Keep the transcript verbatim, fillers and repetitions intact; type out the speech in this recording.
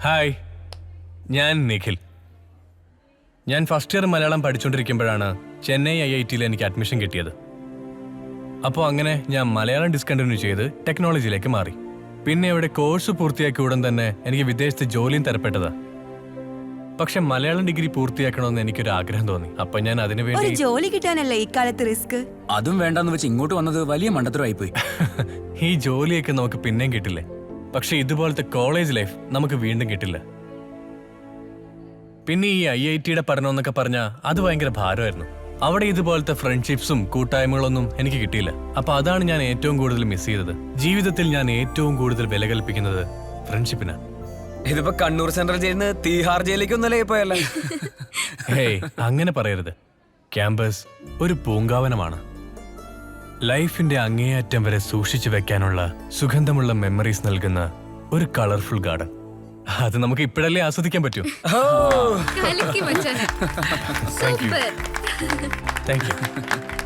Hi, ഞാൻ നിഖിൽ. ഞാൻ first year Malayalam പഠിച്ചുകൊണ്ടിരിക്കുമ്പോഴാണ് ചെന്നൈ ഐ ഐ ടിയിൽ എനിക്ക് അഡ്മിഷൻ കിട്ടിയത്. അപ്പോൾ അങ്ങനെ ഞാൻ മലയാളം ഡിസ്കണ്ടിന്യൂ ചെയ്ത് ടെക്നോളജിയിലേക്ക് മാറി. പിന്നെ ഇവിടെ കോഴ്സ് പൂർത്തിയാക്കിയ ഉടൻ തന്നെ എനിക്ക് വിദേശത്ത് ജോലിയും തരപ്പെട്ടതാ. പക്ഷെ മലയാളം ഡിഗ്രി പൂർത്തിയാക്കണമെന്ന് എനിക്കൊരു ആഗ്രഹം തോന്നി. അപ്പൊ ഞാൻ അതിനു ഒരു വേണ്ടി ജോലി കിട്ടാനല്ലേ ഇക്കാലത്ത് റിസ്ക്. അതും വേണ്ടെന്ന് വെച്ച് ഇങ്ങോട്ട് വന്നത് വലിയ മണ്ടത്തരമായി പോയി. ഈ ജോലിയൊക്കെ നമുക്ക് പിന്നെയും കിട്ടില്ലേ, പക്ഷെ ഇതുപോലത്തെ കോളേജ് ലൈഫ് നമുക്ക് വീണ്ടും കിട്ടില്ല. പിന്നെ ഈ ഐ ഐ ടിയുടെ പഠനം എന്നൊക്കെ പറഞ്ഞാൽ അത് ഭയങ്കര ഭാരമായിരുന്നു. അവിടെ ഇതുപോലത്തെ ഫ്രണ്ട്ഷിപ്സും കൂട്ടായ്മകളൊന്നും എനിക്ക് കിട്ടിയില്ല. അപ്പൊ അതാണ് ഞാൻ ഏറ്റവും കൂടുതൽ മിസ് ചെയ്തത്. ജീവിതത്തിൽ ഞാൻ ഏറ്റവും കൂടുതൽ വില കൽപ്പിക്കുന്നത് ഫ്രണ്ട്ഷിപ്പിനാണ്. ഇതിപ്പോ കണ്ണൂർ സെൻട്രൽ ജയിലിന് തീഹാർ ജയിലിലേക്ക് ഒന്നല്ലേ പോയല്ലേ? ഹേയ്, അങ്ങനെ പറയരുത്. ക്യാമ്പസ് ഒരു പൂങ്കാവനമാണ്. ലൈഫിന്റെ അങ്ങേയറ്റം വരെ സൂക്ഷിച്ചു വെക്കാനുള്ള സുഗന്ധമുള്ള മെമ്മറീസ് നൽകുന്ന ഒരു കളർഫുൾ ഗാർഡൻ. അത് നമുക്ക് ഇപ്പോഴല്ലേ ആസ്വദിക്കാൻ പറ്റൂ. കലക്കി മച്ചാനെ. Thank you super. Thank U